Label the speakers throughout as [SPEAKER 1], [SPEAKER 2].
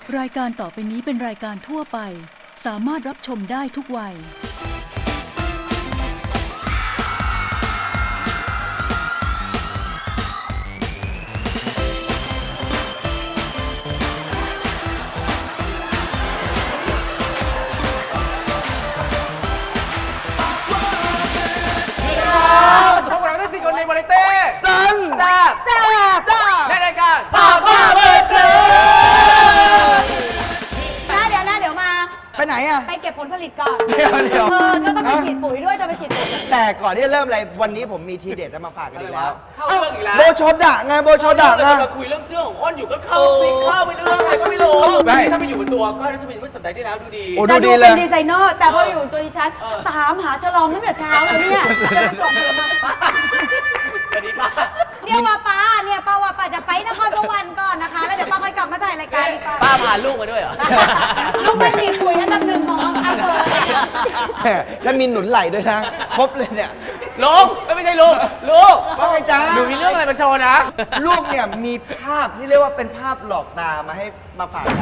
[SPEAKER 1] รายการต่อไปนี้เป็นรายการทั่วไปสามารถรับชมได้ทุกวัย
[SPEAKER 2] พวกเราได้4 คนในวาไรตี้ซันแซ่บและรายการป้าเบอร์เซอ
[SPEAKER 3] เดี๋ยวมา
[SPEAKER 4] ไปไหนอ่ะ
[SPEAKER 3] ไปเก็บผลผลิตก่อน
[SPEAKER 4] เดี๋ยว
[SPEAKER 3] เธอต้องไปฉีดปุ๋ยด้วยไปฉีดปุ๋ย
[SPEAKER 4] แต่ก่อนที่จะเริ่มอะไรวันนี้ผมมีทีเด็ดจะมาฝากกันอีกแล้ว
[SPEAKER 2] เข้าเรื่องอีกแล้ว
[SPEAKER 4] โบโชดะไงโบโชดะ
[SPEAKER 2] เรา
[SPEAKER 4] นะ
[SPEAKER 2] จะมาคุยเรื่องเสื้อของอ้อนอยู่ก็เข้าไปเรื่องอะไรก็ไม่รู้ถ้าไปอยู่บนตัวก็จะเป็นเมื่อสัปดาห์ที่แล้วดูดี
[SPEAKER 3] จะดูเป็นดีไซเนอร์แต่พออยู่ตัวดิฉันถามหาฉลองตั้งแต่เช้าเลยเนี่ยจะไปส่งเธอมา
[SPEAKER 2] สวัสดีป้า
[SPEAKER 3] เนี่ยว่าป้าว่าป้าจะไปนครสวรรค์ก่อนนะคะแล้วเดี๋ยวป้าค่อยกลับมาถ่ายรายการดีกว่า
[SPEAKER 2] ป้าพาลูกมาด้วยเหรอ
[SPEAKER 3] ลูกไปฉีดปุ๋ยอันดับ1ของอำเภอ
[SPEAKER 4] ถ้ามีหนุนไหลด้วยนะ ครบเลยเนี่ย
[SPEAKER 2] ลุงไม่ใช่ลุงลูก
[SPEAKER 4] ว่าไงจ๊ะ
[SPEAKER 2] หนูมีเรื่องอะไรมาโชว์นะ
[SPEAKER 4] ลูกเนี่ยมีภาพที่เรียกว่าเป็นภาพหลอกตามาฝากกัน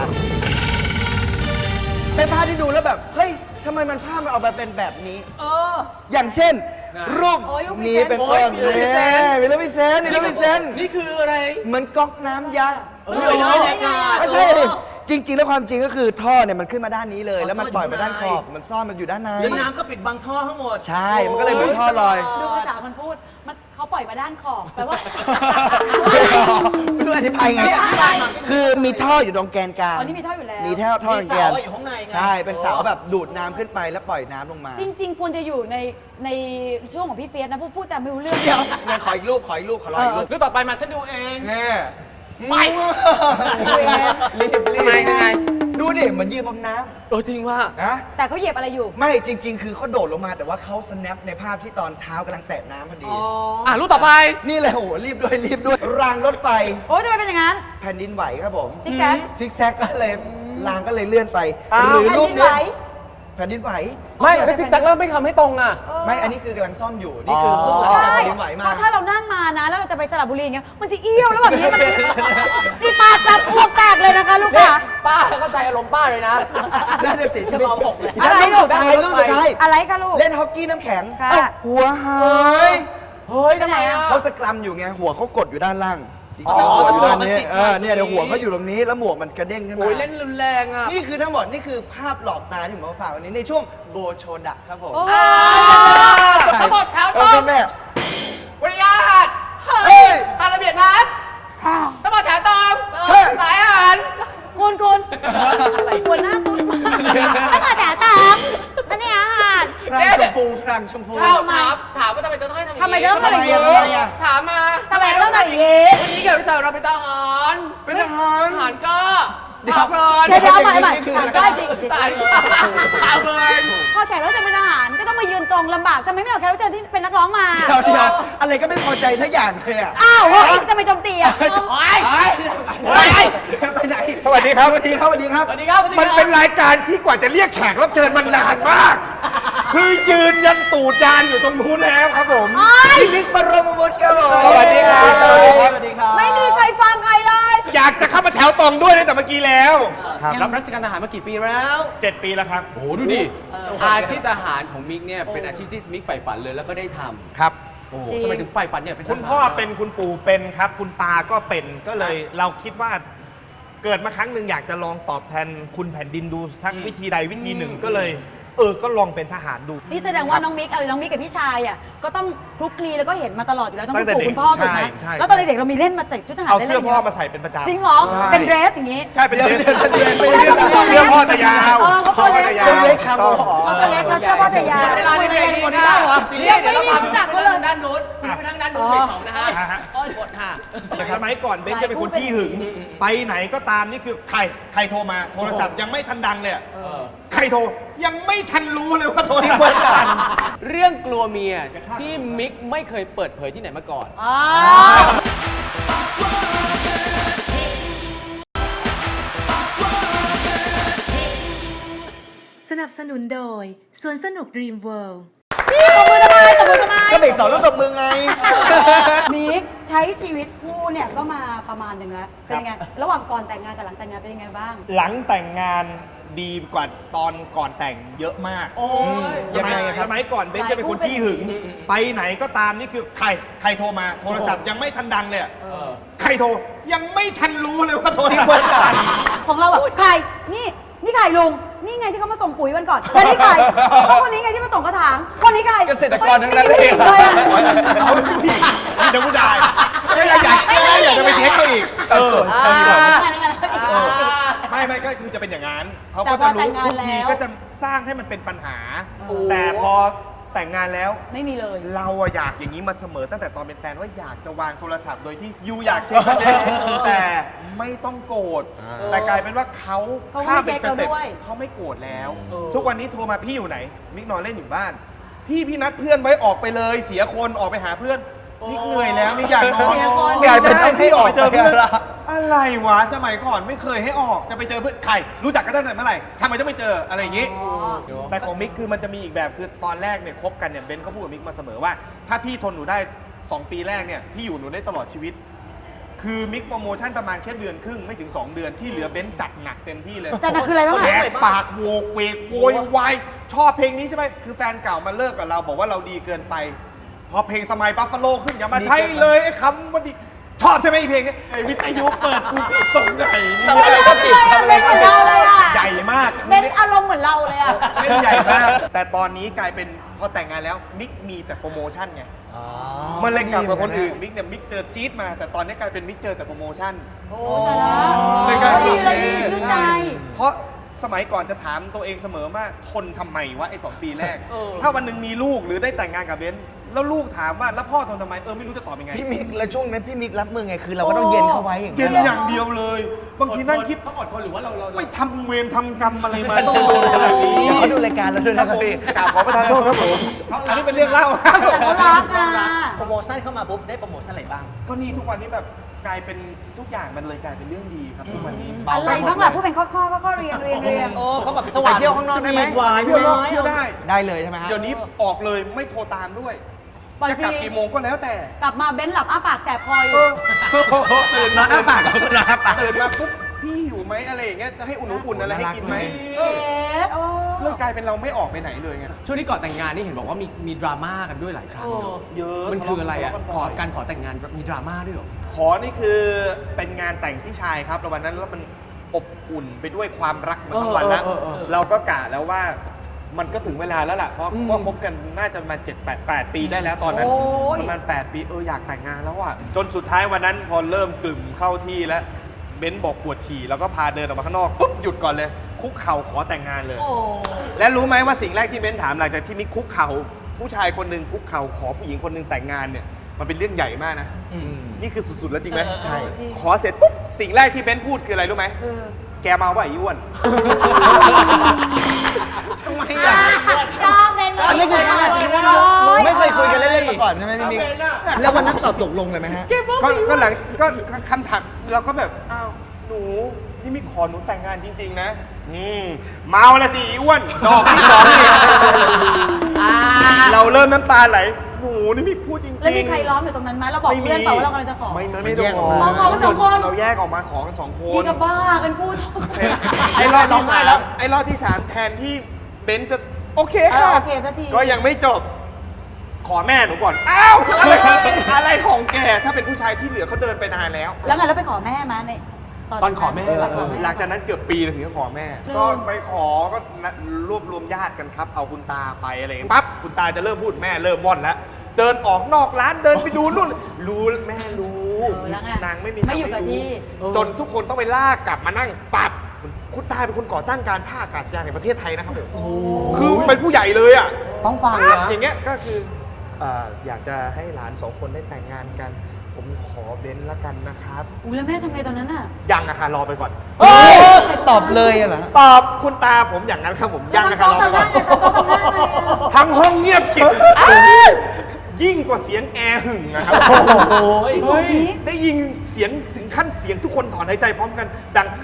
[SPEAKER 4] เป็นภาพที่ดูแล้วแบบเฮ้ยทำไมมันภาพมันออกมาเป็นแบบนี้ อย่างเช่น รูปนี้เป็นต้นเนี่ยวิลเลวิเซน
[SPEAKER 2] นี่คืออะไร
[SPEAKER 4] เหมือนก๊อกน้ำยักษ์
[SPEAKER 2] ไม่ใช่
[SPEAKER 4] ไม่ใช่ดิจริง ๆ แล้วความจริงก็คือท่อเนี่ยมันขึ้นมาด้านนี้เลย แล้วมันปล่อยมาด้านขอบ มันซ่อนมันอยู่ด้านใน
[SPEAKER 5] แล้วน้ำก็ปิดบังท่อทั้งหมด
[SPEAKER 4] ใช่ มันก็เลยเหมือนท่อลอย
[SPEAKER 3] ดูภาษามันพูดมันเขาปล่อยมาด้านขอบแปลว่า
[SPEAKER 4] ไม่รู้อธิบายไง คือมีท่ออยู่ตรงแกนกลาง
[SPEAKER 3] อ๋อนี่มีท่ออยู่แล้ว
[SPEAKER 4] มีท่อตรงแกน
[SPEAKER 5] มีเสาอยู่ข้างในไง
[SPEAKER 4] ใช่ เป็นเสาแบบดูดน้ำขึ้นไปแล้วปล่อยน้ำลงมา
[SPEAKER 3] จริงๆควรจะอยู่ในช่วงของพี่เฟียสนะพูดจาไม่รู้เรื่อง
[SPEAKER 4] เดี๋ยวเนี่ยขออีกรูปขอรออีกรูป
[SPEAKER 2] เรื่องต่อไปมาฉันดูเอง
[SPEAKER 4] เนี่ย
[SPEAKER 2] ไป
[SPEAKER 4] รีบ
[SPEAKER 2] ทำไมยังไง
[SPEAKER 4] ดูดิเหมือนยืนบนน้
[SPEAKER 2] จริงว่า
[SPEAKER 4] ำนะ
[SPEAKER 3] แต่เขาเหยียบอะไรอยู่
[SPEAKER 4] ไม่จริง ๆ คือเขาโดดลงมาแต่ว่าเขา snap ในภาพที่ตอนเท้ากำลังแตะน้ำพอดี
[SPEAKER 2] รูปต่อไป
[SPEAKER 4] นี่เลยโอ้โหรีบด้วยรางรถไฟ
[SPEAKER 3] โอ้ยทำไมเป็นอย่างนั้น
[SPEAKER 4] แผ่นดินไหวครับผม
[SPEAKER 3] ซิกแซก
[SPEAKER 4] ซิกแซกก็เลยรางก็เลยเลื่อนไป
[SPEAKER 2] อ้าว
[SPEAKER 4] หรือรูป
[SPEAKER 3] แผ่นดินไหว
[SPEAKER 4] นี้แผ่นดินไหว
[SPEAKER 2] ไม่ไม่ซิกแซกแล้วไม่ทำให้ตรงอ่ะ
[SPEAKER 4] ไม่อันนี้คือกำลังซ่อมอยู่ นี่คือเพิ่งหลังจาก
[SPEAKER 3] ใช่
[SPEAKER 4] แผ่นดินไหวมา
[SPEAKER 3] เพราะถ้าเรานั่งมานะ แล้วเราจะไปสระบุรีอย่างเงี้ย มันจะเอี้ยวแล้วแบบนี้มันนี่ปากแบบอ้วกแตกเลยนะคะลูกค้า
[SPEAKER 2] ป้าเข้าใจอารมณ์ป้าเลยนะ
[SPEAKER 4] น่าจะเสียชีวิต
[SPEAKER 3] อะไร
[SPEAKER 4] รูปสุดท้ายรูปสุดท้าย
[SPEAKER 3] อะไรคะลูก
[SPEAKER 4] เล่นฮอกกี้น้ำแข็ง
[SPEAKER 3] ค่ะ
[SPEAKER 4] เอ้าหัวหาย
[SPEAKER 2] เฮ้ยทำไมอ่ะ
[SPEAKER 4] เขาสกรัมอยู่ไงหัวเขากดอยู่ด้านล่างจริงๆหัวอยู่ด้านนี้เนี่ยเดี๋ยวหัวเขาอยู่ตรงนี้แล้วหมวกมันกระเด้งขึ้นมา
[SPEAKER 2] โอ้ยเล่นรุนแรงอ่ะ
[SPEAKER 4] นี่คือทั้งหมดนี่คือภาพหลอกตาที่ผมมาฝากวันนี้ในช่วงโบโชดะครับผม
[SPEAKER 3] โอ้
[SPEAKER 2] ทั้งหมดแถวต
[SPEAKER 4] โอ
[SPEAKER 2] ร
[SPEAKER 4] เค
[SPEAKER 2] ง
[SPEAKER 4] แม่
[SPEAKER 2] บริการ
[SPEAKER 4] เฮ้ย
[SPEAKER 2] ตามระเบียบพัดทั้งหมดแถวตรง
[SPEAKER 4] เฮ้ย
[SPEAKER 2] สายอาหาร
[SPEAKER 3] คุณหัวหน้าตุ้นมากถ้ามาแต่ตามอันนี้อาหาร
[SPEAKER 4] พรังชมพูพรังชมพู
[SPEAKER 2] ถามว่าทำไมต้องให้ทำอย่างนี้
[SPEAKER 3] ทำไมต้องทำอย่างนี้
[SPEAKER 4] ทำไมอ่ะ
[SPEAKER 2] ถามมา
[SPEAKER 3] ทำไมต้องทำอย่างนี้
[SPEAKER 2] วันนี้เกิดพิเศษเราเป็นทหาร
[SPEAKER 4] เป็นทหาร
[SPEAKER 2] ทหารก็ถามเพลิน
[SPEAKER 3] เดี๋ยวเอาใหม่ถามได้จริง
[SPEAKER 2] ถามเพลิน
[SPEAKER 3] พอแขกรับเชิญเป็นทหารก็ต้องมายืนตรงลำบากทำไมไม่เอาแขกรับเชิญที่เป็นนักร้องมา
[SPEAKER 4] เดี๋ยวอะไรก็ไม่พอใจทั้งอย่างเลยอ่ะ
[SPEAKER 3] อ้าวเฮ้ยทำไมโจมตีอ่ะ
[SPEAKER 2] โอ๊ย
[SPEAKER 4] ไปไหน
[SPEAKER 5] สวัสดีครับ
[SPEAKER 4] สวัสดีครับสวัสดีครับ
[SPEAKER 2] สวัสดีครับ
[SPEAKER 5] มันเป็นรายการที่กว่าจะเรียกแขกรับเชิญมันนานมาก คือยืนยันตูดยานอยู่ตรงนู้นแล้วครับผม
[SPEAKER 4] พี่บิ๊กบรมวุฒิครับผม
[SPEAKER 5] สวัสดีครับ
[SPEAKER 4] สวัสดีครับ
[SPEAKER 3] ไม่มีใครฟังใครเลย
[SPEAKER 5] อยากจะเข้ามาแถวตรงด้วยตั้งแต่เมื่อกี้แล้วครับ
[SPEAKER 2] รับราชการทหารมากี่ปีแล้ว
[SPEAKER 5] 7 ปีแล้วครับ
[SPEAKER 2] โอ้โหดูดิอาชีพทหารของมิกเนี่ยเป็นอาชีพที่มิกใฝ่ฝันเลยแล้วก็ได้ทำ
[SPEAKER 5] ครับ
[SPEAKER 2] โอ้โหทำไมถึงใฝ่ฝันเนี่ยเป็นทหาร
[SPEAKER 5] คุณพ่อเป็นคุณปู่เป็นครับ คุณตาก็เป็นก็เลยเราคิดว่าเกิดมาครั้งหนึ่งอยากจะลองตอบแทนคุณแผ่นดินดูสักวิธีใดวิธีหนึ่งก็เลยก็ลองเป็นทหารดู
[SPEAKER 3] นี่แสดงว่าน้องมิกกับพี่ชายอ่ะก็ต้องคลุกคลีแล้วก็เห็นมาตลอดอยู่แล้วต้อง
[SPEAKER 5] ตั้
[SPEAKER 3] คุณ
[SPEAKER 5] งแต่
[SPEAKER 3] ปู่คุณพ่อ
[SPEAKER 5] เด็ก
[SPEAKER 3] ถูกไหม
[SPEAKER 5] ใช่
[SPEAKER 3] แล้วตอนเด็กๆเรามีเล่นมาใส่ชุดทหาร
[SPEAKER 5] เอา
[SPEAKER 3] ได้
[SPEAKER 5] เสื้อ
[SPEAKER 3] ล่น
[SPEAKER 5] พ่อมาใส่เป็นประจำ
[SPEAKER 3] จริงเหรอ
[SPEAKER 5] ใช่
[SPEAKER 3] เป็นเดรสอย่างงี้
[SPEAKER 5] ใช่เป็นเดรส
[SPEAKER 4] ไม่ใช่
[SPEAKER 5] เสื้อพ่อจะยาว
[SPEAKER 3] เขาตัวเล็ก
[SPEAKER 5] จะยาว
[SPEAKER 4] เล็กครับ
[SPEAKER 5] ต้อง
[SPEAKER 3] เขาตัวเล็กแล้วเสื้อพ่อจะยาว
[SPEAKER 2] เวลาในเพลงหมดได้เหรอเดี๋ยวเราพาไปด้านนู้นไปทางด้านนู้นเพลงสองนะฮะอ้อนหมดค่ะ
[SPEAKER 5] สมัยก่อนเบนจะเป็นคนขี้หึง ไปไหนก็ตามนี่คือใครโทรมาโทรศัพท์ยังไม่ทันดังเลยอะใครโทรยังไม่ทันรู้เลยว่าโทรศัพท์ดัง
[SPEAKER 2] เรื่องกลัวเมียที่มิกไม่เคยเปิดเผยที่ไหนมาก่อน
[SPEAKER 3] อ๋อ
[SPEAKER 6] สนับสนุนโดยสวนสนุก Dream World
[SPEAKER 3] ตบมือทำไมตบมือทำไม
[SPEAKER 4] ก็เบรกสองแล้วตบมือไง
[SPEAKER 3] มิกใช้ชีวิตคู่เนี่ยก็มาประมาณหนึ่งแล้ว เป็นยังไง ระหว่างก่อนแต่งงานกับหลังแต่งงานเป็นยังไงบ้าง
[SPEAKER 5] หลังแต่งงานดีกว่าตอนก่อนแต่งเยอะมาก
[SPEAKER 4] ยังไงครับ
[SPEAKER 5] สมัยก่อนเบนจะเป็นคนขี้หึง ไปไหนก็ตามนี่คือใครโทรมาโทรศัพท์ยังไม่ทันดังเลยอะใครโทรยังไม่ทันรู้เลยว่าโทรศัพท์ดัง
[SPEAKER 3] ของเราแบบใคร นี่ใครลุง นี่ไงที่เขามาส่งปุ๋ยวันก่อนแล้วนี่ใครเขาคนนี้ไงที่มาส่งกระถาง คนนี้ใคร
[SPEAKER 4] เกษตรกรทั้งนั้นเลย
[SPEAKER 3] ไม่มีผู้หญิงเลยอะ
[SPEAKER 5] เอาเป็นผู้หญิงมีแต่ผู้ชายไม่อยากจะไปเช็คเขาอีกไม่ก็คือจะเป็นอย่างนั้นเขาก็จะรู้ทุกทีก็จะสร้างให้มันเป็นปัญหา แต่พอแต่งงานแล้ว
[SPEAKER 3] ไม่มีเลย
[SPEAKER 5] เราอะอยากอย่างนี้มาเสมอตั้งแต่ตอนเป็นแฟนว่าอยากจะวางโทรศัพท์โดยที่ยูอยากเช็คก็เช็คแต่ไม่ต้องโกรธแต่กลายเป็นว่าเขาข้ามเป็นสเต็ปเขาไม่โกรธแล้ว ทุกวันนี้โทรมาพี่อยู่ไหนมิกนอนเล่นอยู่บ้านพี่นัดเพื่อนไว้ออกไปเลยเสียคนออกไปหาเพื่อนมิกเหนื่อยแล้วมิกอยากนอน
[SPEAKER 4] กลายเป็นต้องให้ออก
[SPEAKER 5] ไปเจอเพื่อน
[SPEAKER 4] ไปละ
[SPEAKER 5] อะไรวะสมัยก่อนไม่เคยให้ออกจะไปเจอเพื่อนใครรู้จักกันตั้งแต่เมื่อไหร่ทำไมต้องไปเจออะไรอย่างนี้ แต่ของมิกคือมันจะมีอีกแบบคือตอนแรกเนี่ยคบกันเนี่ยเบนก็พูดกับมิกมาเสมอว่า ถ้าพี่ทนหนูได้ 2 ปีแรกเนี่ยพี่อยู่หนูได้ตลอดชีวิต คือมิกโปรโมชั่นประมาณแค่เดือนครึ่งไม่ถึง 2 เดือนที่เหลือเบนจัดหนักเต็มที่เลย
[SPEAKER 3] จัดหนักคืออะไรบ้าง
[SPEAKER 5] แห
[SPEAKER 3] อะ
[SPEAKER 5] กปากโวกเวกโวยวายชอบเพลงนี้ใช่ไหมคือแฟนเก่ามาเลิกกับเราบอกว่าเราดีเกินไป พอเพลงสมัยบัฟฟาโลขึ้นอย่ามาใช้เลยไอ้คำว่าดีชอบใช่ไหมไอ้เพลงนี้ไอ้วิทยุเปิดกูที่ตรงไหน
[SPEAKER 4] ทำอะไรก็ผิดทำอะไรก็ผิด
[SPEAKER 5] ใหญ่มาก
[SPEAKER 3] เป็นอารมณ์เหมือนเราเลยอะ
[SPEAKER 5] เล่นใหญ่มาก แต่ตอนนี้กลายเป็นพอแต่งงานแล้วมิกมีแต่โปรโมชั่นไง มันเลยกลับกับคนอื่นมิกเนี่ยมิกเจอจี๊ดมา แต่ตอนนี้กลายเป็นมิกเจอแต่โปรโมชั่น
[SPEAKER 3] โอ้แต่ละ
[SPEAKER 5] เลยกลายเป็น
[SPEAKER 3] ดีเลยดีชื่นใจ
[SPEAKER 5] เพราะสมัยก่อนจะถามตัวเองเสมอว่าทนทำไมวะไอ้2 ปีแรก ถ้าวันหนึ่งมีลูกหรือได้แต่งงานกับเบนซ์แล้วลูกถามว่าแล้วพ่อทนทำไมไม่รู้จะตอบยังไง
[SPEAKER 4] พี่มิกแล้วช่วงนั้นพี่มิกรับมือไงคือเราก็ต้องเย็นเข้าไว้อย่าง
[SPEAKER 5] เย็
[SPEAKER 4] เงี้
[SPEAKER 5] น
[SPEAKER 4] ย
[SPEAKER 5] อย่างเดียวเลย บางทีนั่งคิด
[SPEAKER 2] ต้องอดทนหรือว่าเรา
[SPEAKER 5] ไม่ทำเวรทำกรรมอะไรมาจะโดนขนาดนี้
[SPEAKER 4] เดี๋ยวเขาดูรายการเราด้วยนะครับพี่
[SPEAKER 5] กราบขอประทานโทษครับผมอันนี้เป็นเรื่องเล่า
[SPEAKER 3] แต่เขารักอะ
[SPEAKER 6] โปรโมชั่นเข้ามาปุ๊บได้โปรโมชั่นอะไรบ้าง
[SPEAKER 5] ก็นี่ทุกวันนี้แบบกลายเป็นทุกอย่างมันเลยกลายเป็นเรื่องดีครับทุกวันนี้
[SPEAKER 3] อะไรบ้างล่ะพูดเป็นข้อเรียน
[SPEAKER 6] โอ้เขาแบบสว่าง
[SPEAKER 4] ไปเที่ยวข้างนอกได้ไหม
[SPEAKER 6] หวาน
[SPEAKER 5] เที่ยวนอกเที่ยวได้
[SPEAKER 4] ได้เลยใช่ไหมฮะ
[SPEAKER 5] เดี๋ยวนี้ออกเลยไม่โทรตามด้วย
[SPEAKER 3] ปล่อย
[SPEAKER 5] จะ
[SPEAKER 3] ฟ
[SPEAKER 5] กลับ
[SPEAKER 3] รี
[SPEAKER 5] กี่โมงก็แล้วแต่
[SPEAKER 3] กลับมาเบ้นหลับอ้าปากแสบคออยู่
[SPEAKER 5] ตื่นมา
[SPEAKER 4] อ้าปากก็ได้อ้าปาก
[SPEAKER 5] ตื่นมาปุ๊บพี่อยู่ไหมอะไรอย่างเงี้ยจะให้อุ่นๆอะไรให้กินไหม
[SPEAKER 3] เอ๊ะโอ้
[SPEAKER 5] เลยกลายเป็นเราไม่ออกไปไหนเลยไง
[SPEAKER 2] ช่วงที่ก่อนแต่งงานนี่เห็นบอกว่ามีดราม่ากันด้วยหลายครั้งเนอะ
[SPEAKER 5] เยอะ
[SPEAKER 2] มันคืออะไรอ่ะ
[SPEAKER 5] ทเลากัน
[SPEAKER 2] ข
[SPEAKER 5] บ่
[SPEAKER 2] อย การขอแต่งงานมีดราม่าด้วยเหรอ
[SPEAKER 5] ขอนี่คือเป็นงานแต่งพี่ชายครับแล้ววันนั้นแล้วมันอบอุ่นไปด้วยความรักมาทั้งวันแล้ว เราก็กะแล้วว่ามันก็ถึงเวลาแล้วล่ะ เพราะว่าคบกันน่าจะประมาณ7-8 ปีได้แล้วตอนนั้น
[SPEAKER 3] โอ้ย
[SPEAKER 5] ประมาณ8 ปีอยากแต่งงานแล้วอ่ะจนสุดท้ายวันนั้นพอเริ่มกลุ่มเข้าที่แล้วเบนซ์บอกปวดฉี่แล้วก็พาเดินออกมาข้างนอกปุ๊บหยุดก่อนเลย คุกเข่าขอแต่งงานเลย
[SPEAKER 3] โอ้
[SPEAKER 5] และรู้ไหมว่าสิ่งแรกที่เบนซ์ถามหลังจากที่มิกคุกเข่าผู้ชายคนหนึ่งคุกเข่าขอผู้หญิงคนหนึ่งแต่งงานเนี่ยมันเป็นเรื่องใหญ่มากนะนี่คือสุดๆแล้วจริงไหม
[SPEAKER 3] ใช่
[SPEAKER 5] ขอเสร็จปุ๊บสิ่งแรกที่เบนซ์พูดคืออะไรรู้ไหม
[SPEAKER 3] คือ
[SPEAKER 5] แกเมาป่ะไอ้อ้วน
[SPEAKER 4] ทำไมอ่ะ
[SPEAKER 3] ชอบเป็น
[SPEAKER 4] อันนี้คือไม่เคยคุยกันเล่นๆมาก่อนใช่ไหมพี่มิกแล้ววันนั้นตอบตกลงเลยไหมฮะ
[SPEAKER 5] ก็หลังก็คำถามเราก็แบบอ้าวหนูนี่มิกขอหนูแต่งงานจริงๆนะเมาละสิอ้วนดอกที่สองนี่เราเริ่มน้ำตาไหลหนูนี่มิกพูดจริงๆ
[SPEAKER 3] แล้วมีใครล้อมอยู่ตรงนั้นไหมเราบอกเพื่อนเปล่าว่าเรากำลังจะขอ
[SPEAKER 5] ไม่ได้ขอ
[SPEAKER 3] ขอกันสองคน
[SPEAKER 5] เราแยกออกมาขอกัน2 คน
[SPEAKER 3] นี่ก็บ้ากันพูด
[SPEAKER 5] ไอ้รอบที่สามไอ้รอบที่ 3แทนที่เบนซ์จะโอเคค่ะ
[SPEAKER 3] โอเคสักที
[SPEAKER 5] ก็ยังไม่จบ ขอแม่หนูก่อนอ้าวอะไรของแกถ้าเป็นผู้ชายที่เหลือเขาเดินไปนานแล้ว
[SPEAKER 3] แล้วไงแล้วไปขอแม่มาเนี่ย
[SPEAKER 2] ตอนขอแม่
[SPEAKER 5] หลังจากนั้นเกือบปีเลยถึงจะขอแม่ ก็ไปขอก็นัดรวบรวมญาติกันครับ เอาคุณตาไปอะไรอย่างเงี้ยปั๊บคุณตาจะเริ่มพูดแม่เริ่มว่อนแล้ว เดินออกนอกร้านเดินไปดูนู่น รู้แม่รู้
[SPEAKER 3] แล้วไง
[SPEAKER 5] นางไม่มี
[SPEAKER 3] ไม่อยู่กับ
[SPEAKER 5] ทางรู้
[SPEAKER 3] ที่
[SPEAKER 5] จนทุกคนต้องไปลากกลับมานั่งปั๊บคุณตาเป็นคนก่อตั้งการท่าอากาศยานแห่งประเทศไทยนะครับผมคือเป็นผู้ใหญ่เลยอ่ะ
[SPEAKER 2] ต้องฟัง
[SPEAKER 5] ปั๊บ
[SPEAKER 2] นะ
[SPEAKER 5] อย่างเงี้ยก็คืออยากจะให้หลาน2 คนได้แต่งงานกัน ผมขอเบนซ์ละกันนะครับ
[SPEAKER 3] อุ้ยแล้วแม่ทำไงตอนนั้นอ่ะ
[SPEAKER 5] ยังอะค่ะรอไปก่อน
[SPEAKER 4] ตอบเลยเหรอ
[SPEAKER 5] ตอบคุณตาผมอย่างนั้นครับผมยังนะครับรอไปก่อน
[SPEAKER 3] แล้วเขาทำหน้าไง
[SPEAKER 5] ทั้งห้องเงียบกริบยิ่งกว่าเสียงแอร์หึ่งนะครับ
[SPEAKER 3] จริงเหรอนี่
[SPEAKER 5] ได้ยินเสียงถึงขั้นเสียงทุกคนถอนหายใจพร้อมกันดัง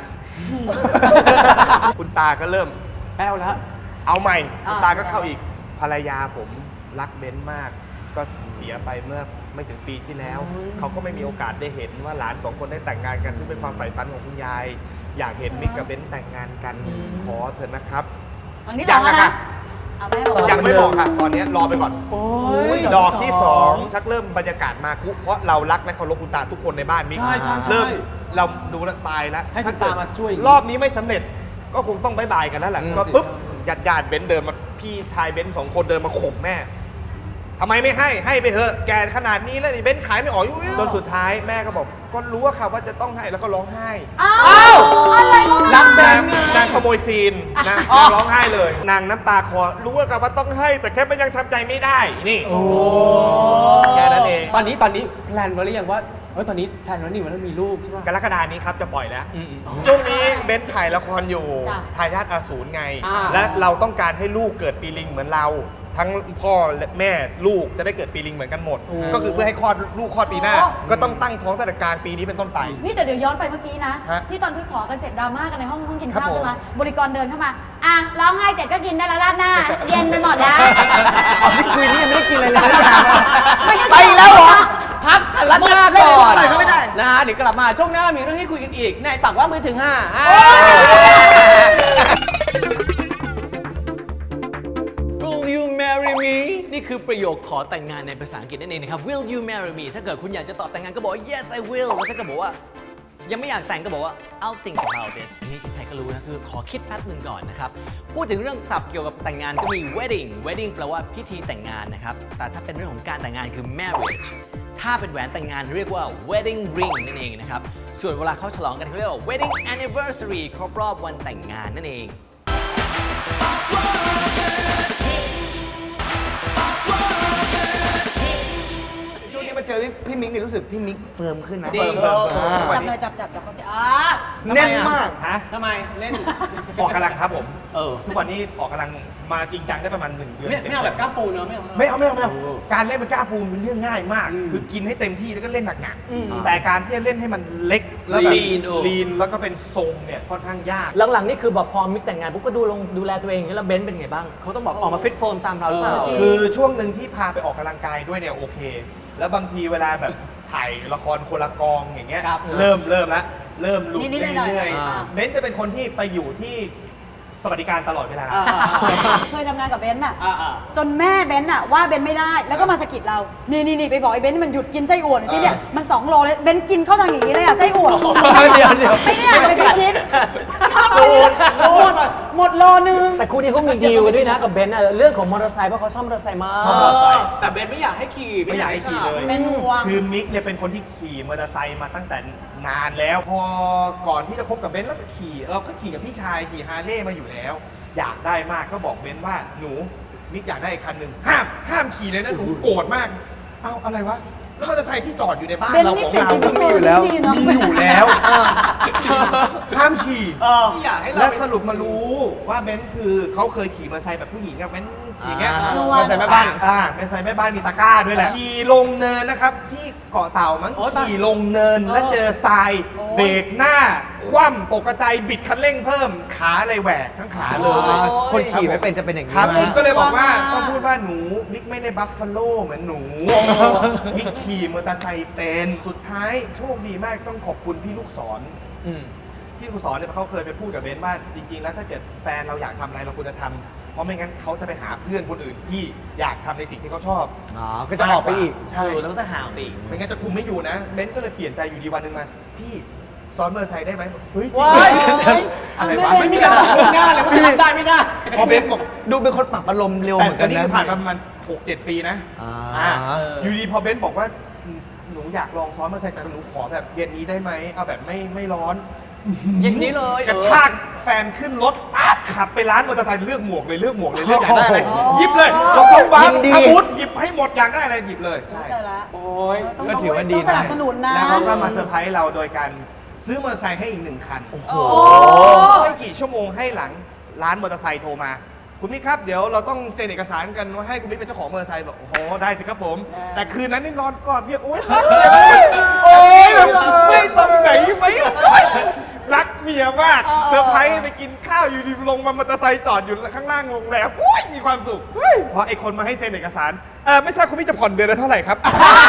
[SPEAKER 5] คุณตาก็เริ่ม
[SPEAKER 2] แป้วแล้ว
[SPEAKER 5] เอาใหม่คุณตาก็เข้าอีกภรรยาผมรักเบนซ์มากก็เสียไปเมื่อไม่ถึงปีที่แล้วเขาก็ไม่มีโอกาสได้เห็นว่าหลาน2 คนได้แต่งงานกันซึ่งเป็นความใฝ่ฝันของคุณยายอยากเห็นมิกกับเบนซ์แต่งงานกันขอเถอะนะครับ
[SPEAKER 3] ครั้งที่สองแล้วนะเอาแม่บอก
[SPEAKER 5] ยังไม่บอกค่ะตอนนี้รอไปก่อนดอกที่ 2 ชักเริ่มบรรยากาศมาคุเพราะเรารักและเคารพคุณตาทุกคนในบ้านมิก
[SPEAKER 2] ใช่ใช่ใช่
[SPEAKER 5] เริ่มเราดูแลวตายแล้ว
[SPEAKER 2] ให้คุณตามาช่วย
[SPEAKER 5] รอบนี้ไม่สำเร็จก็คงต้องบายบายกันแล้วแหละก็ปุ๊บญาติเบนซ์เดินมาพี่ชายเบนซ์2 คนเดินมาข่มแม่ทำไมไม่ให้ไปเถอะแกขนาดนี้แล้วนี่เบนซ์ขายไม่ออกจนสุดท้ายแม่ก็บอกก็รู้ว่าค่ะว่าจะต้องให้แล้วก็ร้องไห้
[SPEAKER 3] อ้าวอะไรของ
[SPEAKER 2] รั
[SPEAKER 3] เรา
[SPEAKER 2] กแบงค์
[SPEAKER 5] นางขโมยซีนนางร้องไห้เลยนางน้ำตาคลอรู้ว่าค่ะว่าต้องให้แต่แค่มันยังทำใจไม่ได้นี่แค่นั้นเอง
[SPEAKER 2] ตอนนี้แพลนไว้หรือยังว่าตอนนี้แพลนไว้นี่ว่าต้องมีลูกใช่ไหม
[SPEAKER 5] กรกฎานี้ครับจะปล่อยแล้ว
[SPEAKER 2] อืม
[SPEAKER 5] ช่วงนี้เบนซ์ถ่ายละครอยู่
[SPEAKER 3] จ้ะ
[SPEAKER 5] ทายาทอสูรไง
[SPEAKER 2] อ่า
[SPEAKER 5] และเราต้องการให้ลูกเกิดปีลิงเหมือนเรา ทั้งพ่อและแม่ลูกจะได้เกิดปีลิงเหมือนกันหมด ก็คือเพื่อให้คลอดลูกคลอดปีหน้า ก็ต้องตั้งท้องตั้งแต่กลางปีนี้เป็นต้นไป
[SPEAKER 3] นี่แต่เดี๋ยวย้อนไปเมื่อกี้นะ
[SPEAKER 5] ฮะ
[SPEAKER 3] ที่ตอนที่ขอกันเสร็จดราม่ากันในห้องกิน
[SPEAKER 5] ครับ
[SPEAKER 3] ข้าว
[SPEAKER 5] ผม
[SPEAKER 3] ใช่ไหมบริกรเดินเข้ามาอ่ะร้องไห้เสร็จก็กินได้แล้วราดหน้า เย็นไปหมดแล้ว
[SPEAKER 4] นี่คุยนี่ยังไม่ได้กินอะไรเลย
[SPEAKER 3] ไปแล้วเหรอ
[SPEAKER 2] พักกันละหน้าก่อน
[SPEAKER 4] เล่นก็ไม่ได้
[SPEAKER 2] นะเดี๋ยวกลับมาช่วงหน้ามีเรื่องให้คุยกันอีกในปากว่ามือถึง5
[SPEAKER 6] Will you marry me นี่คือประโยคขอแต่งงานในภาษาอังกฤษนั่นเองนะครับ Will you marry me ถ้าเกิดคุณอยากจะตอบแต่งงานก็บอกว่า yes I will แล้วถ้าเกิดบอกว่ายังไม่อยากแต่งก็บอกว่า I'll think about it อันนี้ใครก็รู้นะคือขอคิดแป๊บหนึ่งก่อนนะครับ พูดถึงเรื่องศัพท์เกี่ยวกับแต่งงานก็มี wedding แปลว่าพิธีแต่งงานนะครับแต่ถ้าเป็นเรื่องของการแต่งงานคือ marriage ถ้าเป็นแหวนแต่งงานเรียกว่า wedding ring นั่นเองนะครับส่วนเวลาเขาฉลองกันเขาเรียกว่า wedding anniversary ครบรอบวันแต่งงานนั่นเอง
[SPEAKER 4] ช่วงนี้มาเจอพี่มิกนี่รู้สึกพี่มิกเฟิร์มขึ้นนะ
[SPEAKER 2] ดี
[SPEAKER 5] เฟิร์ม
[SPEAKER 3] จับเลยจับเขาเสีย
[SPEAKER 4] แน่นมาก
[SPEAKER 5] ฮะ
[SPEAKER 2] ทำไมเล่น
[SPEAKER 5] ออกกำลังครับผม
[SPEAKER 2] เออ
[SPEAKER 5] ทุกวันนี้ออกกำลังมาจริงจังได้ประมาณ1 เดือน
[SPEAKER 2] ไม่เอาแบบกล้ามปูเนอะไม่เอา
[SPEAKER 5] ไม่เอาการเล่นเป็นกล้าปูนเป็นเรื่องง่ายมาก คือกินให้เต็มที่แล้วก็เล่นหนักๆแต่การที่จะเล่นให้มันเล็กแล้วแบบ ลีนแล้วก็เป็นทรงเนี่ยค่อนข้างยาก
[SPEAKER 6] หลังๆนี่คือแบบพอมิกแต่งงานปุ๊บก็ดูแลตัวเองแล้วเบนซ์เป็นไงบ้างเขาต้องบอกออกมาฟิตโฟมตามเราหรือเปล่า
[SPEAKER 5] คือช่วงหนึ่งที่พาไปออกกำลังกายด้วยเนี่ยโอเค แล้วบางทีเวลาแบบถ่ายละครคนละกองอย่างเงี้ย
[SPEAKER 2] ครับ
[SPEAKER 5] เริ่มแล้วเริ่มหลุด
[SPEAKER 3] นิดๆหน่อยๆ
[SPEAKER 5] เรื่อย
[SPEAKER 2] อ่า
[SPEAKER 5] ๆเบนซ์จะเป็นคนที่ไปอยู่ที่สวัสดิการตลอดเวลา
[SPEAKER 3] เคยทำงานกับเบนซ์อะ
[SPEAKER 2] อ่า
[SPEAKER 3] จนแม่เบนซ์อะว่าเบนซ์ไม่ได้แล้วก็มาสะกิดเรา นี่ไปบอกไอ้เบนซ์มันหยุดกินไส้อั่วหน่อยสิเนี่ยมัน2 โลเลยเบนซ์กินเข้าทางอย่างนี้เลยอะไส้อั่ว
[SPEAKER 6] เดี๋ยว
[SPEAKER 3] ไม่ได้อ่านเป็นชิ้นเข้าไปหมดโลนึง
[SPEAKER 6] แต่คู่นี้เขามีดีลกันด้วยนะกับเบนซ์อะเรื่องของมอเตอร์ไซค์เพราะเขาชอบมอเตอร์ไซค์มาก
[SPEAKER 5] ชอบมอเตอร์ไซค์
[SPEAKER 2] แต่เบนไม่อยากให้ขี่
[SPEAKER 5] ไม่อยากให้ขี่เลย
[SPEAKER 3] เป็นห่วง
[SPEAKER 5] คือมิกเนี่ยเป็นคนที่ขี่มอเตอร์ไซค์มาตั้งแต่นานแล้ว พอก่อนที่จะคบกับเบนซ์แล้วก็ขี่เราก็ขี่กับพี่ชายขี่ฮาร์เลย์มาอยู่แล้ว อยากได้มากก็บอกเบนซ์ว่าหนูมิกอยากได้อีกคันหนึ่งห้ามขี่เลยนะหนูโกรธมากเอ้าอะไรวะแล้วมอเตอร์ไซค์ที่จอดอยู่ในบ้าน
[SPEAKER 3] เบนซ์
[SPEAKER 5] เรา
[SPEAKER 3] นี่
[SPEAKER 5] ของ
[SPEAKER 3] เปลี่ยน
[SPEAKER 5] เรา
[SPEAKER 3] ชีวิตมีอยู่แล้วดีเนาะ
[SPEAKER 5] มีอยู่แล้วห้ามขี่
[SPEAKER 2] ไม่อยากให้เรา
[SPEAKER 5] และสรุปมารู้ว่าเบนซ์คือเขาเคยขี่มอเตอร์ไซค์แบบผู้หญิงอะเบนซ์อย่างเงี้ย
[SPEAKER 2] มาใส่แม่บ้าน
[SPEAKER 5] เป็นไซแม่บ้านมีตะกร้าด้วยแหละขี่ลงเนินนะครับ ที่เกาะเต่ามั้ง
[SPEAKER 2] โอ้ตาย
[SPEAKER 5] ขี่ลงเนินแล้วเจอทรายเบรกหน้า คว่ำตกกระจายบิดคันเร่งเพิ่มขาเลยแหวกทั้งขาเลย
[SPEAKER 4] คนขี่ไม่เป็นจะเป็นอย่าง
[SPEAKER 5] ค
[SPEAKER 4] นี้
[SPEAKER 5] รับผมก็เลยบอกว่า
[SPEAKER 3] ว้าว
[SPEAKER 5] ต้องพูดว่าหนูมิกไม่ได้บัฟฟาโลเหมือนหนูมิกขี่มอเตอร์ไซค์เป็นสุดท้ายโชคดีมากต้องขอบคุณพี่ลูกศร พี่ลูกศรเนี่ยเขาเคยไปพูดกับเบนว่าจริง ๆ แล้วถ้าเกิดแฟนเราอยากทำอะไรเราควรจะทำเพราะไม่งั้นเขาจะไปหาเพื่อนคนอื่นที่อยากทำในสิ่งที่เขาชอบ
[SPEAKER 4] ก็จะออกไปอีก
[SPEAKER 5] ใช่
[SPEAKER 6] แล้วก็จะห่างไปอีก
[SPEAKER 5] ไม่งั้นจะคุมไม่อยู่นะเบนก็เลยเปลี่ยนใจอยู่ดีวันหนึ่งมาพี่สอนมอเตอร์ไซค์ได้ไหมเฮ้ยจริง
[SPEAKER 2] ว้าย
[SPEAKER 5] อะไรวะ
[SPEAKER 3] ไม่
[SPEAKER 2] ไม่
[SPEAKER 3] ได้
[SPEAKER 2] มีการบอกล่วงหน้าเลยว่าจะทำได้ไม่ได้
[SPEAKER 5] พอเบนบอก
[SPEAKER 4] ดูเป็นคนปรับอารมณ์เร็ว
[SPEAKER 5] แต่
[SPEAKER 4] เหมือน
[SPEAKER 5] ต
[SPEAKER 4] กั
[SPEAKER 5] อน
[SPEAKER 4] น
[SPEAKER 5] นี้
[SPEAKER 4] นะ
[SPEAKER 5] คือผ่านมาประมาณ 6-7 ปีนะ
[SPEAKER 4] อ่า
[SPEAKER 5] อยู่ดีพอเบนบอกว่าหนูอยากลองซ้อนมอเตอร์ไซค์แต่หนูขอแบบเย็นนี้ได้ไหมเอาแบบไม่ร้อน
[SPEAKER 6] อย่างนี้เลย
[SPEAKER 5] กระชากแฟนขึ้นรถปั๊บขับไปร้านมอเตอร์ไซค์เลือกหมวกเลยเลือกอยากได้อะไรหยิบเลยรองเท้าบ้านอาวุธหยิบให้หมดอยากได้อะไรหยิบเลยใช่
[SPEAKER 3] เจอละ
[SPEAKER 2] โอ้ย
[SPEAKER 3] ต้อง
[SPEAKER 4] ก็ถือว่าดี
[SPEAKER 3] ต้องสนับสนุนนะ
[SPEAKER 5] แล้วเขาก็มาเซอร์ไพรส์เราโดยการซื้อมอเตอร์ไซค์ให้อีก1 คัน
[SPEAKER 3] โอ้
[SPEAKER 5] ไม่กี่ชั่วโมงให้หลังร้านมอเตอร์ไซค์โทรมา คุณมิกครับเดี๋ยวเราต้องเซ็นเอกสารกันว่าให้คุณมิกเป็นเจ้าของมอเตอร์ไซค์บอกโอ้โหได้สิครับผม แต่คืนนั้นนี่นอนกอดเมียโอ๊ยรักโอ๊ยแบบไม่ตรงไหนไหมรักเมียมียมากเซอร์ไพรส์ไปกินข้าวอยู่ดีลงมามอเตอร์ไซค์จอดอยู่ข้างล่างโรงแรมโอ้ยมีความสุขพอไอ้คนมาให้เซ็นเอกสารไม่ทราบคุณพี่จะผ่อนเดือนละเท่าไหร่ครับ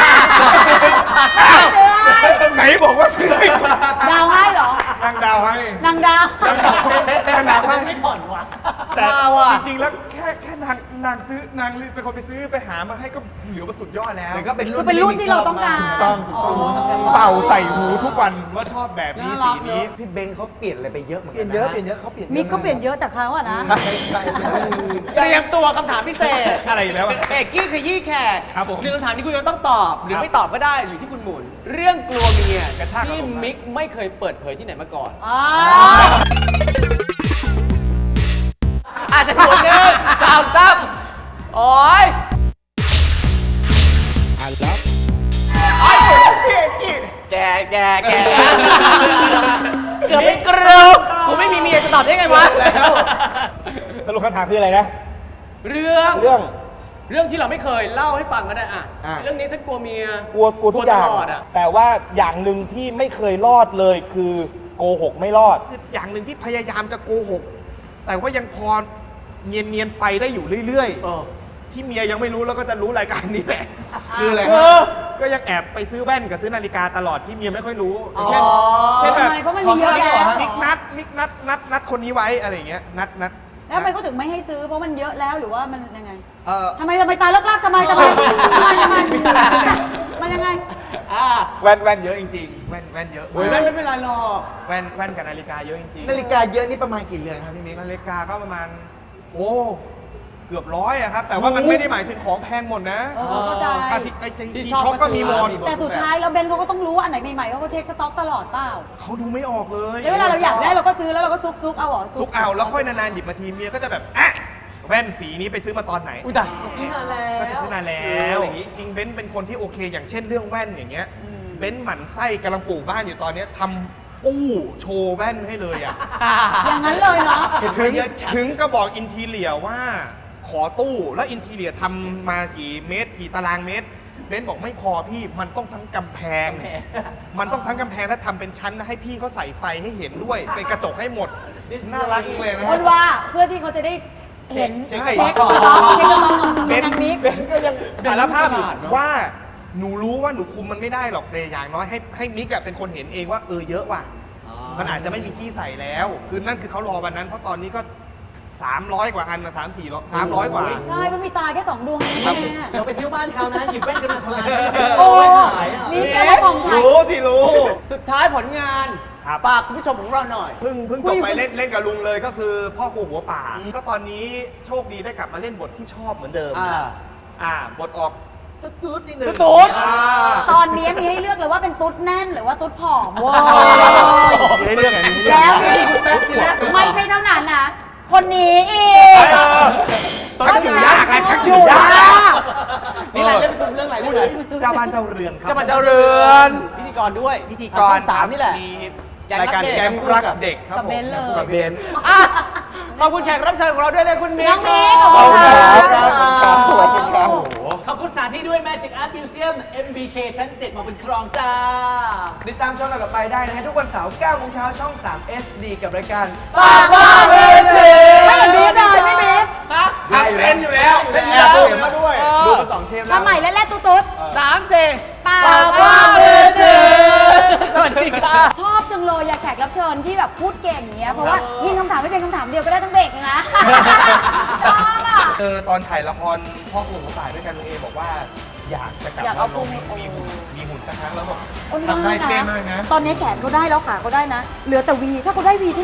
[SPEAKER 5] ไหนบอกว่าซื้อให้
[SPEAKER 3] ดาวให้เหรอ
[SPEAKER 5] นางดาวให้
[SPEAKER 3] นางดาว
[SPEAKER 5] นางดาวให้
[SPEAKER 6] ไม่ผ่อนวะ
[SPEAKER 5] แต่จริงๆแล้วแค่นางซื้อนางเป็นคนไปซื้อไปหามาให้ก็เหลือว่าสุดยอดแล้ว
[SPEAKER 4] มันก็เป็นรุ่
[SPEAKER 3] คื
[SPEAKER 4] น
[SPEAKER 3] อเป็นรุ่นที่เราต้องการ
[SPEAKER 5] ถูกต้องเป่าใส่หูทุกวันว่าชอบแบบนี้สีนี้
[SPEAKER 4] พี่เบนเขาเปลี่ยนอะไรไปเยอะเหมือนกันเปลี่ยนเยอะเขาเปลี่ยน
[SPEAKER 3] มิกก็เปลี่ยนเยอะแต่เขาอะนะ
[SPEAKER 2] เตรียมตัวคำถามพิเศษ
[SPEAKER 5] อะไรอีกแล้วอะ
[SPEAKER 2] เอกกี้ขยี้แขก
[SPEAKER 5] ครับผม
[SPEAKER 2] หนึ่งคำถามที่คุณจะต้องตอบ หรือไม่ตอบก็ได้อยู่ที่คุณหมุน เรื่องกลัวเมีย
[SPEAKER 5] กระชากอาร
[SPEAKER 2] ที่
[SPEAKER 5] มณ์
[SPEAKER 2] มิกไม่เคยเปิดเผยที่ไหนมาก่อน
[SPEAKER 3] อ๋อ
[SPEAKER 2] อาจจะถูกหนึ่งสามตั้มโอ้ยแกเกือบเป็นกรูกูไม่มีเมียจะตอบได้ไงวะ
[SPEAKER 5] สรุปคำถามคืออะไรนะ
[SPEAKER 2] เรื่อง
[SPEAKER 5] เรื่อง
[SPEAKER 2] เรื่องที่เราไม่เคยเล่าให้ฟังก็ได้อะ
[SPEAKER 5] อ่ะ
[SPEAKER 2] เรื่องนี้ฉันกลัวเมีย
[SPEAKER 5] กลัวทุกอย่าง
[SPEAKER 2] ตลอดอะ
[SPEAKER 5] แต่ว่าอย่างหนึ่งที่ไม่เคยรอดเลยคือโกหกไม่รอด อย่างหนึ่งที่พยายามจะโกหก แต่ว่ายังพอเนียนๆไปได้อยู่เรื่อยๆที่เมียยังไม่รู้แล้วก็จะรู้รายการนี้แหละ
[SPEAKER 4] คืออะไร
[SPEAKER 5] ก็ยังแอบไปซื้อแว่นกับซื้อนาฬิกาตลอดที่เมียไม่ค่อยรู้
[SPEAKER 2] อ๋อ
[SPEAKER 5] เช่นแบบ
[SPEAKER 3] ทำไมเพราะมันมีเยอะแล้ว
[SPEAKER 5] มิกนัดคนนี้ไว้อะไรอย่างเงี้ยนัด
[SPEAKER 3] แล้วทำไมเขาถึงไม่ให้ซื้อเพราะมันเยอะแล้วหรือว่ามันยังไง
[SPEAKER 4] เออ
[SPEAKER 3] ทำไมตายเลิกลากทำไมมันยังไง
[SPEAKER 5] แว่นเยอะจริงๆแว่นเยอะ
[SPEAKER 2] ไม่เป็นไรหรอก
[SPEAKER 5] แว่นกับนาฬิกาเยอะจริงๆ
[SPEAKER 4] นาฬิกาเยอะนี่ประมาณกี่เรือนครับพี่มิก
[SPEAKER 5] นาฬิกาก็ประมาณเกือบร้อยอะครับ แต่ว่ามันไม่ได้หมายถึงของแพงหมดนะ
[SPEAKER 3] เข้าใจ
[SPEAKER 5] คาสิไอจีช็อปก็มีหมด
[SPEAKER 3] แต่สุดท้ายแล้วเบนเขาก็ต้องรู้ว่าอันไหนใหม่ๆเขาก็เช็คสต็อกตลอดเปล่า
[SPEAKER 5] เขาดูไม่ออกเลย
[SPEAKER 3] แล้วเวลาเราอยากได้เราก็ซื้อแล้วเราก็ซุกเอาเหรอ
[SPEAKER 5] ซุกเอาแล้วค่อยนานๆหยิบมาทีเมียก็จะแบบอ่ะแว่นสีนี้ไปซื้อมาตอนไหน
[SPEAKER 2] อุ้ยตาย
[SPEAKER 6] ซื้อนานแล้ว
[SPEAKER 5] ก็จะซื้อนานแล้ว
[SPEAKER 6] อย่างงี้
[SPEAKER 5] จริงเบนซ์เป็นคนที่โอเค อย่างเช่นเรื่องแว่นอย่างเงี้ยเบนซ์หมั่นไส้กำลังปลูกบ้านอยู่ตอนเนี้ยทำตู้โชว์แว่นให้เลยอ่ะ
[SPEAKER 3] อย่างนั้นเลยเนาะ
[SPEAKER 5] ถึงก็บอกอินทีเลียว่าขอตู้แล้วอินทีเลียทำมากี่เมตรกี่ตารางเมตรเบนซ์บอกไม่พอพี่มันต้องทั้งกำแพง มันต้องทั้งกำแพงและทำเป็นชั้นแล้วให้พี่เขาใส่ไฟให้เห็นด้วยเป็นกระจกให้หมด
[SPEAKER 4] น่ารักเลยนะ
[SPEAKER 3] คนว่าเพื่อที่เขาจะได้เห็น
[SPEAKER 5] ใช่
[SPEAKER 3] เช็คสต็อกเช็คสต็อกของ
[SPEAKER 5] เบน
[SPEAKER 3] นางมิก
[SPEAKER 5] เบนก็ยังสารภาพอีกว่าหนูรู้ว่าหนูคุมมันไม่ได้หรอกแต่อย่างน้อยให้มิกอะเป็นคนเห็นเองว่าเยอะว่ะมันอาจจะไม่มีที่ใส่แล้ว คือนั่นคือเขารอวันนั้นเพราะตอนนี้ก็ 300 กว่าอันนะ300 กว่า
[SPEAKER 3] ใช่มันมีตาแค่2 ดวงเองแม่
[SPEAKER 6] เราไปเที่ยวบ้านเขานะหยิบแว่นกันมาพลาน
[SPEAKER 3] โอ้
[SPEAKER 6] ขายอ่ะ
[SPEAKER 3] นี่แกมาของไทย
[SPEAKER 5] รู้ที่รู้
[SPEAKER 2] สุดท้ายผลงาน
[SPEAKER 5] ครับ
[SPEAKER 2] ฝากคุณผู้ชมของเราหน่อย
[SPEAKER 5] เพิ่งจบไปเล่นกับลุงเลยก็คือพ่อครูหัวป่าก็ตอนนี้โชคดีได้กลับมาเล่นบทที่ชอบเหมือนเดิมบทออกตุ๊ดนิดนึง
[SPEAKER 2] ตุ๊ด
[SPEAKER 3] ตอนนี้มีให้เลือกเลยว่าเป็นตุ๊ดแน่นหรือว่าตุ๊ดผอม
[SPEAKER 5] ให้เรื่องอะไรนี้
[SPEAKER 3] แล้วนี่ไม่ใช่เท่านั้นนะ คนนี้อีก
[SPEAKER 5] ชักอยู่ยากนะชักอ
[SPEAKER 3] อยู่ ยู่
[SPEAKER 5] ยาก
[SPEAKER 3] ยาก
[SPEAKER 2] นี่อะไรเรื่องเป็นเรื่องอะไรเรื่องอะไร
[SPEAKER 5] เจ้าบ้านเจ้าเรือนครับ
[SPEAKER 2] เจ้ามาเจ้าเรือนพิธีกรด้วย
[SPEAKER 5] พิธีก
[SPEAKER 2] ช่
[SPEAKER 5] ร
[SPEAKER 2] องสามนี่แหละ
[SPEAKER 5] มี
[SPEAKER 2] แก๊ง
[SPEAKER 5] รายการ
[SPEAKER 2] รักเด็ก
[SPEAKER 5] แก๊งรักเด็กครับ
[SPEAKER 3] กับเบนซ์เลย
[SPEAKER 5] กับเบนซ์
[SPEAKER 2] อ่ะขอบคุณแขกรับเชิญของเราด้วยเลยคุณมิก
[SPEAKER 3] น้องมิก
[SPEAKER 2] ขอบคุณค
[SPEAKER 3] ข
[SPEAKER 2] รั
[SPEAKER 3] อบคุณครับ
[SPEAKER 5] ขอบคุณครับ
[SPEAKER 6] ขอบคุณสถานที่ด้วย Magic Art Museum MBK ชั้น 7 มาเป็นครองจ้า
[SPEAKER 4] ติดตามช่องเราต่อไปได้นะฮะทุกวันเสาร์9 โมงเช้าช่อง 3 SD กับรายการ
[SPEAKER 2] ปากว่าเวที
[SPEAKER 3] ไม่บีบเลยไม่บีบ
[SPEAKER 2] ฮะ
[SPEAKER 5] เป็นอยู่แล้ว
[SPEAKER 2] เป็น
[SPEAKER 5] แอ
[SPEAKER 2] แล้ว
[SPEAKER 5] บเห็นมาด้วย
[SPEAKER 4] ดูมา2 เทปแล้ว
[SPEAKER 3] ทำใหม่แรกๆตุ๊ด
[SPEAKER 2] สามสี่
[SPEAKER 3] ปาก
[SPEAKER 2] ปากว่าเวทีสวัสดีค่ะ
[SPEAKER 3] ชอบจังเลยอยากแขกรับเชิญที่แบบพูดเก่งอย่างเงี้ยเพราะว่ายิงคำถามไม่เป็นคำถามเดียวก็ได้ทั้งเบรกเลยนะชอบอ่ะ
[SPEAKER 5] ตอนถ่ายละครพ่อครูหัวป่าด้วยกันลุงเอบอกว่าอยากจะกลับ
[SPEAKER 3] อยาก
[SPEAKER 5] มา
[SPEAKER 3] เอา
[SPEAKER 5] ลง
[SPEAKER 3] พุง
[SPEAKER 5] มีหุ่นสักครั้งแล้วบอก
[SPEAKER 3] อ้น
[SPEAKER 5] ทำได้
[SPEAKER 3] มาก
[SPEAKER 5] เป๊ะมากนะ
[SPEAKER 3] ตอนนี้แขนเขาได้แล้วขาเขาได้นะ เหลือแต่วีถ้าเขาได้วีที่